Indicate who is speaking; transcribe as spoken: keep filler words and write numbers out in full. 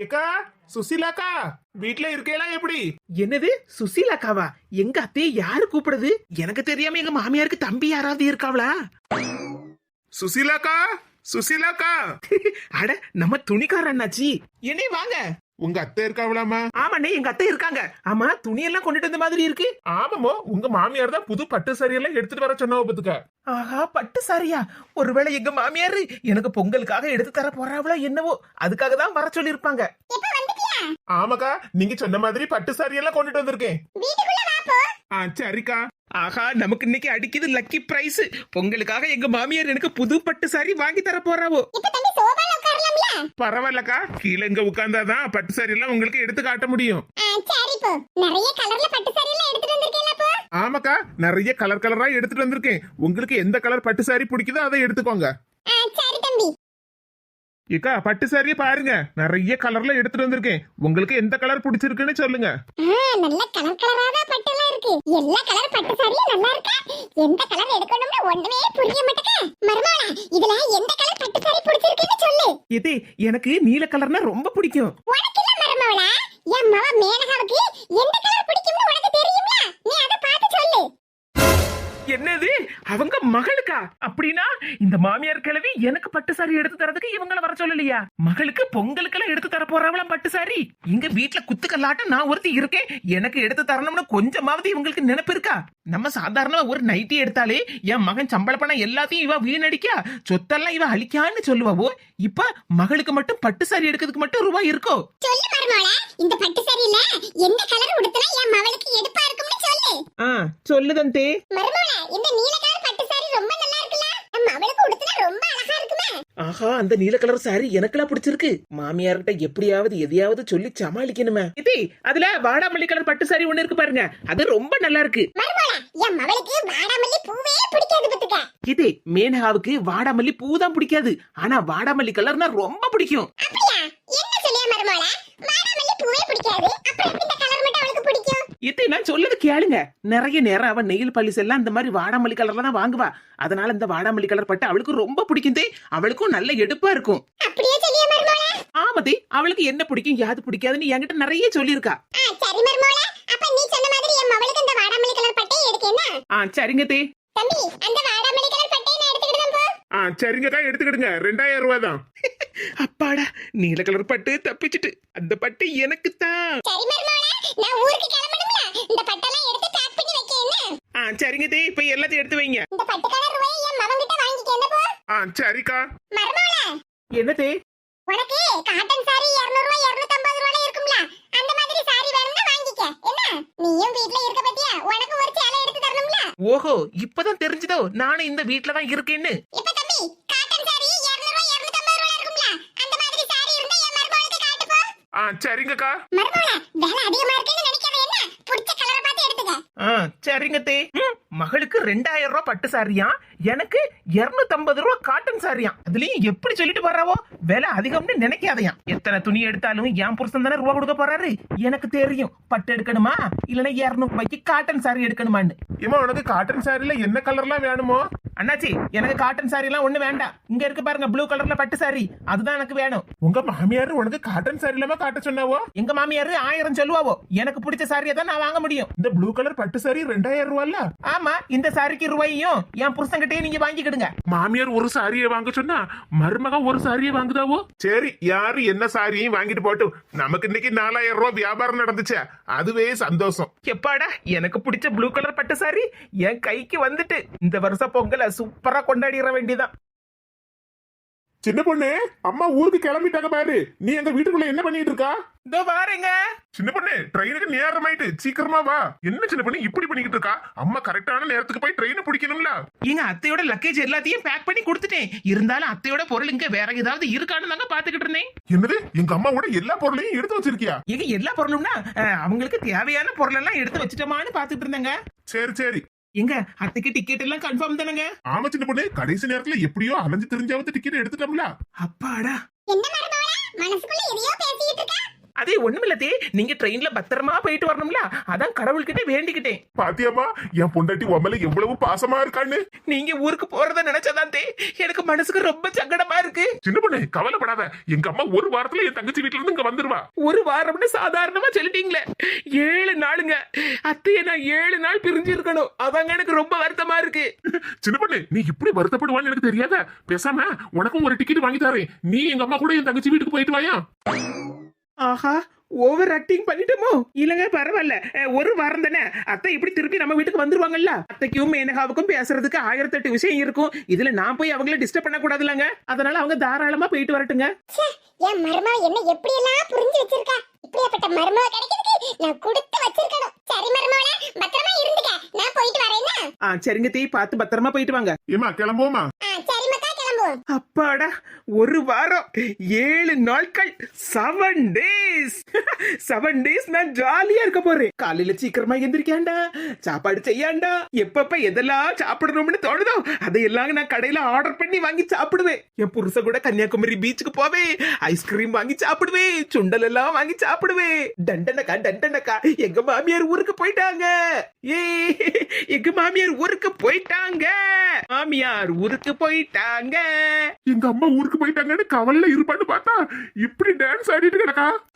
Speaker 1: ஏக்கா சுசிலாக்கா வீட்ல இருக்கேளா எப்படி?
Speaker 2: என்னது சுசீலாக்காவா? எங்க அத்தையை யாரு கூப்பிடுது? எனக்கு தெரியாம எங்க மாமியாருக்கு தம்பி யாராவது இருக்காவளா?
Speaker 1: சுசிலாக்கா சுசிலாக்கா
Speaker 2: அட நம்ம துணிக்கார அண்ணாச்சி. என்னே வாங்க.
Speaker 1: உங்க அத்தை இருக்காவளாமா?
Speaker 2: ஆமாண்ணே எங்க அத்தை இருக்காங்க. ஆமா துணியெல்லாம் கொண்டுட்டு வந்த மாதிரி இருக்கு.
Speaker 1: ஆமாமோ உங்க மாமியார் தான் புது பட்டு சரியெல்லாம் எடுத்துட்டு வர சொன்னாவ பத்துக்க.
Speaker 2: ஆஹா பட்டு சாரியா? ஒருவேளை எங்க மாமியாரு எனக்கு பொங்கலுக்காக எடுத்து தர போறாவளோ என்னவோ, அதுக்காக தான் வர சொல்லி இருப்பாங்க.
Speaker 1: ஆமாக்கா நீங்க சொன்ன மாதிரி பட்டு சாரியெல்லாம் கொண்டுட்டு வந்திருக்கேன். ஆ சரிக்கா.
Speaker 2: ஆஹா நமக்கு இன்னைக்கு அடிக்குது லக்கி பிரைஸ். பொங்கலுக்காக எங்க மாமியார் எனக்கு புது பட்டு சாரி வாங்கி தர போறாவோ.
Speaker 1: பரவாயில்லக்கா, கீழே இங்க உட்கார்ந்தாதான் பட்டு சாரி எல்லாம் உங்களுக்கு எடுத்து காட்ட முடியும். ஆமாக்கா நிறைய கலர் கலரா எடுத்துட்டு வந்திருக்கேன். உங்களுக்கு எந்த கலர் பட்டு சாரி பிடிக்குதோ அதை எடுத்துக்கோங்க. ஏக்கா பட்டு சாரியை பாருங்க, நிறைய கலர்ல எடுத்துட்டு வந்திருக்கேன். உங்களுக்கு எந்த கலர் பிடிச்சிருக்குன்னு சொல்லுங்க.
Speaker 3: நல்ல கலர் கலரான பட்டுலாம் இருக்கு. எல்லா கலர் பட்டு சாரியும் நல்லா இருக்கா? எந்த கலர் எடுக்கணும்னு ஒண்ணுமே புரிய மாட்டேங்க. மருமகளா இதுல எந்த கலர் பட்டு சாரி பிடிச்சிருக்குன்னு சொல்லு.
Speaker 2: இது எனக்கு நீல கலர்னா ரொம்ப பிடிக்கும்.
Speaker 3: உனக்கு இல்ல மருமகளா, என் மவ மேனகாவுக்கு எந்த கலர் பிடிக்கும்னு உனக்கு தெரியுமா? நீ அத பார்த்து சொல்லு.
Speaker 2: என்னது அவங்க மகளுக்கா? அப்படின்னா இந்த மாமியார் கிழவி எனக்கு பட்டு சாரி எடுத்து தரதுக்கு இவங்கள வர சொல்லலையா? மகளுக்கு பொங்கலுக்கெல்லாம் எடுத்து தர போறாங்களாம் பட்டு சாரி. இங்க வீட்டுல குத்துக்கல்லாட்டம் நான் ஒருத்தி இருக்கேன், எனக்கு எடுத்து தரணும்னு கொஞ்சமாவது இவங்களுக்கு நினைப்பு இருக்கா? நம்ம சாதாரணமா ஒரு நைட்டி எடுத்தாலே என் மகன் சம்பள பணம் எல்லாத்தையும் இவ வீணடிக்கா, சொத்தெல்லாம் இவ அழிக்கான்னு சொல்லுவாவோ. இப்ப மகளுக்கு மட்டும் பட்டு சாரி எடுக்கிறதுக்கு மட்டும் ரூபாய் இருக்கோ?
Speaker 3: சொல்லு மருமகளா, இந்த பட்டு சாரியில எந்த கலர் உடுத்தினா என் மவளுக்கு எடுப்பா இருக்கும்னு சொல்லு.
Speaker 2: ஆ சொல்லுதந்தே.
Speaker 3: மருமகளா இந்த நீல கலர் பட்டு சாரி ரொம்ப நல்லா இருக்குல, நம்ம மவளுக்கு உடுத்தினா ரொம்ப அழகா இருக்குமே.
Speaker 2: ஆஹா அந்த நீல கலர் சாரி எனக்கெல்லாம் பிடிச்சிருக்கு. மாமியார்கிட்ட எப்படியாவது எதையாவது சொல்லி சமாளிக்கணுமே. இது அதுல வாடாமல்லி கலர் பட்டு சாரி ஒண்ணு இருக்கு பாருங்க, அது ரொம்ப நல்லா இருக்கு.
Speaker 3: மருமகளா என் மவளுக்கு வாடாமல்லி பூவே பிடிக்காது பத்துக்க.
Speaker 2: இது மேனகாவுக்கு வாடாமல்லி பூ தான் பிடிக்காது, ஆனா வாடாமல்லி கலர்னா ரொம்ப பிடிக்கும்.
Speaker 3: அப்படியா? என்ன சொல்லியா மருமகளா, வாடாமல்லி பூவே பிடிக்காது, அப்புறம் எப்படி இந்த கலர் மட்டும் அவளுக்கு பிடிக்கும்?
Speaker 2: இதை நான் சொல்லது கேளுங்க. நிறைய நேரம் அவன் நெயில் பாலிஸ் எல்லாம் இந்த மாதிரி வாடாமல்லி கலர்ல தான் வாங்குவா. அதனால இந்த வாடாமல்லி கலர் பட்டு அவளுக்கு ரொம்ப பிடிக்கும். அவளுக்கும் நல்ல எடுப்பா இருக்கும்.
Speaker 3: அப்படியே சொல்லியா மருமகளா?
Speaker 2: ஆமதே அவளுக்கு என்ன பிடிக்கும் யாது பிடிக்காதுன்னு என்கிட்ட நிறைய சொல்லியிருக்கா.
Speaker 3: சரி மருமகளா, அப்ப நீ சொன்ன மாதிரி என் மவளுக்கு இந்த வாடாமல்லி கலர் பட்டை எடுக்கேனா?
Speaker 2: ஆ சரிங்க தே.
Speaker 3: தம்பி அந்த வாடாமல்லி கலர் பட்டையை நான் எடுத்துக்கிடுறேன் போ.
Speaker 1: ஆ சரிங்கக்கா எடுத்துக்கிடுங்க, ரெண்டாயிரம் ரூபாய் தான்.
Speaker 2: அப்பாடா நீல கலர் பட்டு தப்பிச்சிட்டு. அந்த பட்டு எனக்கு தான்.
Speaker 3: சரி மருமகளா, நான் ஊருக்கு கிளம்பணும்ல, இந்த பட்டெல்லாம் எடுத்து பேக் பண்ணி வைக்க என்ன?
Speaker 2: ஆ சரிங்க தே, இப்ப எல்லாத்தையும் எடுத்து வைங்க.
Speaker 3: இந்த பட்டு கலர் ரூபாயை என் மவன் கிட்ட வாங்கிக்க என்ன போ.
Speaker 1: ஆ சரிக்கா.
Speaker 3: மருமகளா
Speaker 2: என்ன தே?
Speaker 3: உனக்கு காட்டன் சாரி இருநூறு ரூபாய் இருநூற்று ஐம்பது ரூபாய் இருக்கும்ல, அந்த மாதிரி சாரி வேணும்னா வாங்கிக்க என்ன? நீயும் வீட்ல இருக்க பத்தியா, உனக்கு ஒரு சேலை எடுத்து தரணும்ல.
Speaker 2: ஓஹோ இப்பதான் தெரிஞ்சதோ நானும் இந்த வீட்ல தான் இருக்கேன்னு.
Speaker 3: இப்ப தம்பி காட்டன் சாரி இருநூறு ரூபாய் இருநூற்று ஐம்பது ரூபாய் இருக்கும்ல, அந்த மாதிரி சாரி இருந்தா என் மருமகளுக்கு காட்டு போ.
Speaker 1: ஆ சரிங்கக்கா.
Speaker 3: மருமகளா வேலை அதிகமா இருக்குன்னு நினைக்காத என்ன, பிடிச்ச கலரை பார்த்து எடுத்துக்க.
Speaker 2: ஆ சரிங்க தே. மகளுக்கு ரெண்டாயிரம் ரூபாய் பட்டு சாரியா, எனக்கு இருநூத்தி ஐம்பது ரூபாய் காட்டன் சாரியா. அதுலயும் எப்படி சொல்லிட்டு போறாவோ, விலை அதிகம்னு நினைக்காதையா. எத்தனை துணி எடுத்தாலும் என் புருஷன் தானே ரூபா கொடுக்க போறாரு. எனக்கு தெரியும் பட்டு எடுக்கணுமா இல்லன்னா இருநூறு ரூபாய்க்கு காட்டன் சாரி எடுக்கணுமான்னு.
Speaker 1: ஏமா உனக்கு காட்டன் சாரில என்ன கலர்லாம் வேணுமோ?
Speaker 2: அண்ணாச்சி எனக்கு காட்டன் சாரி எல்லாம் ஒண்ணு வேண்டாம். இங்க இருக்கு பாருங்க ப்ளூ கலர்ல பட்டு சாரி, அதுதான் எனக்கு வேணும்.
Speaker 1: உங்க மாமியார் உனக்கு காட்டன் சாரி இல்லாம காட்ட சொன்னாவோ?
Speaker 2: எங்க மாமியாரு ஆயிரம் சொல்லுவாவோ, எனக்கு பிடிச்ச சாரியை தான் நான் வாங்க முடியும்.
Speaker 1: இந்த ப்ளூ கலர் பட்டு சாரி ரெண்டாயிரம் ரூபாய்ல.
Speaker 2: ஆமா இந்த சாரிக்கு ரூபாயும் என் புருஷன் கிட்டே நீங்க வாங்கிக்கிடுங்க.
Speaker 1: மாமியார் ஒரு சாரியை வாங்க சொன்னா மருமக ஒரு சாரியை வாங்குதாவோ? சரி யாரு என்ன சாரியும் வாங்கிட்டு போட்டும், நமக்கு இன்னைக்கு நாலாயிரம் ரூபாய் வியாபாரம் நடந்துச்சு, அதுவே சந்தோஷம்.
Speaker 2: எப்பாடா எனக்கு பிடிச்ச ப்ளூ கலர் பட்டு சாரி என் கைக்கு வந்துட்டு. இந்த வருஷம் பொங்கலை சூப்பரா கொண்டாடிட வேண்டியதான்.
Speaker 1: சின்ன பொண்ணு அம்மா ஊருக்கு கிளம்பிட்டாங்க பாரு, நீ எங்க வீட்டுக்குள்ள என்ன பண்ணிட்டு இருக்கா?
Speaker 2: இதோ பாருங்க.
Speaker 1: சின்ன பொண்ணு ட்ரெயினுக்கு நேரம் ஆயிட்டு, சீக்கிரமா வா. என்ன சின்ன பொண்ணு இப்படி பண்ணிக்கிட்டு இருக்கா? அம்மா கரெக்டான நேரத்துக்கு போய் ட்ரெயின் பிடிக்கணும்ல.
Speaker 2: எங்க அத்தையோட லக்கேஜ் எல்லாத்தையும் பேக் பண்ணி கொடுத்துட்டேன். இருந்தாலும் அத்தையோட பொருள் இங்க வேற ஏதாவது இருக்கான்னு தாங்க பாத்துக்கிட்டு இருந்தேன்.
Speaker 1: என்னது எங்க அம்மாவோட எல்லா பொருளையும் எடுத்து வச்சிருக்கியா?
Speaker 2: எங்க எல்லா பொருளும்னா அவங்களுக்கு தேவையான பொருள் எல்லாம் எடுத்து வச்சுட்டோமான்னு பாத்துக்கிட்டு இருந்தேங்க.
Speaker 1: சரி சரி.
Speaker 2: எங்க அத்தைக்கு டிக்கெட் எல்லாம் கன்ஃபார்ம் தானங்க?
Speaker 1: ஆமா சின்ன பொண்ணு, கடைசி நேரத்துல எப்படியோ அலைஞ்சு தெரிஞ்சாவது டிக்கெட் எடுத்துட்டோம்ல.
Speaker 2: அப்பாடா.
Speaker 3: என்ன மருமகளா மனசுக்குள்ள எதையோ பேசிட்டு இருக்க?
Speaker 2: அதே ஒண்ணுமில்லதே, நீங்க ட்ரெயின்ல பத்திரமா போயிட்டு வரணும்ல, அதான் கடவுள்கிட்ட வேண்டிக்கிட்டேன்.
Speaker 1: பாத்தியாமா என் பொண்டாட்டி உமல எவ்வளவு பாசமா இருக்கான்னு.
Speaker 2: நீங்க ஊருக்கு போறத நினைச்சதான் தே எனக்கு மனசுக்கு ரொம்ப சங்கடமா இருக்கு.
Speaker 1: சின்ன பொண்ணு கவலைப்படாத, எங்க அம்மா ஒரு வாரத்துல என் தங்கச்சி வீட்டுல இருந்து இங்க வந்துருவா.
Speaker 2: ஒரு வாரம்னு சாதாரணமா சொல்லிட்டீங்களே, ஏழு நாளுங்க. அத்தைய நான் ஏழு நாள் பிரிஞ்சு இருக்கணும், அதாங்க எனக்கு ரொம்ப வருத்தமா இருக்கு.
Speaker 1: சின்ன பொண்ணு நீ இப்படி வருத்தப்படுவான்னு எனக்கு தெரியாத. பேசாம உனக்கும் ஒரு டிக்கெட் வாங்கி தரேன், நீ எங்க அம்மா கூட என் தங்கச்சி வீட்டுக்கு போயிட்டு வாயா.
Speaker 2: ஆஹா, ஓவர் ஆக்டிங் பண்ணிட்டோமோ? இல்லங்க பரவாயில்ல, அஹ், ஒரு வாரம் தானே, அத்தை இப்படி திருப்பி நம்ம வீட்டுக்கு வந்துருவாங்கல்ல. அத்தைக்கும் மேனகாவுக்கும் பேசுறதுக்கு ஆயிரத்தி எட்டு விஷயம் இருக்கும், இதுல நான் போய் அவங்கள டிஸ்டர்ப் பண்ண கூடாதுலங்க. அதனால அவங்க தாராளமா போயிட்டு வரட்டுங்க.
Speaker 3: ச்சே, என் மருமக என்ன எப்படி எல்லாம் புரிஞ்சு வச்சிருக்கா. இப்படியாப்பட்ட மருமக கிடைக்கிறதுக்கு நான் கொடுத்து வச்சிருக்கணும். சரி மருமகளே, பத்திரமா இருந்துக்க, நான் போயிட்டு வரேன்னா.
Speaker 2: ஆ சரிங்க தீ, பார்த்து பத்திரமா போயிட்டு வாங்க.
Speaker 1: ஏமா கிளம்புவோமா?
Speaker 3: ஆ சரி மக்கா, கிளம்புவோம்.
Speaker 2: அப்பாடா, ஒரு வாரம், ஏழு நாட்கள், செவன் டேஸ். செவன் டேஸ் நான் ஜாலியா இருக்க போறேன். காலையில சீக்கிரமா எந்திரிக்காண்டா, சாப்பாடு செய்யாண்டா, எப்பப்ப எதெல்லாம் சாப்பிடணும்னு தோணுதோ அதையெல்லாம் நான் கடையில ஆர்டர் பண்ணி வாங்கி சாப்பிடுவேன். என் புருஷ கூட கன்னியாகுமரி பீச்சுக்கு போவேன், ஐஸ்கிரீம் வாங்கி சாப்பிடுவேன், சுண்டல் எல்லாம் வாங்கி சாப்பிடுவேன். டண்டனக்கா டண்டனக்கா, எங்க மாமியார் ஊருக்கு போயிட்டாங்க. ஏ, எங்க மாமியார் ஊருக்கு போயிட்டாங்க, மாமியார் ஊருக்கு போயிட்டாங்க.
Speaker 1: எங்க அம்மா ஊருக்கு போயிட்டாங்கன்னு கவலையில இருப்பான்னு பார்த்தா இப்படி டான்ஸ் ஆடிட்டு கிடக்கா.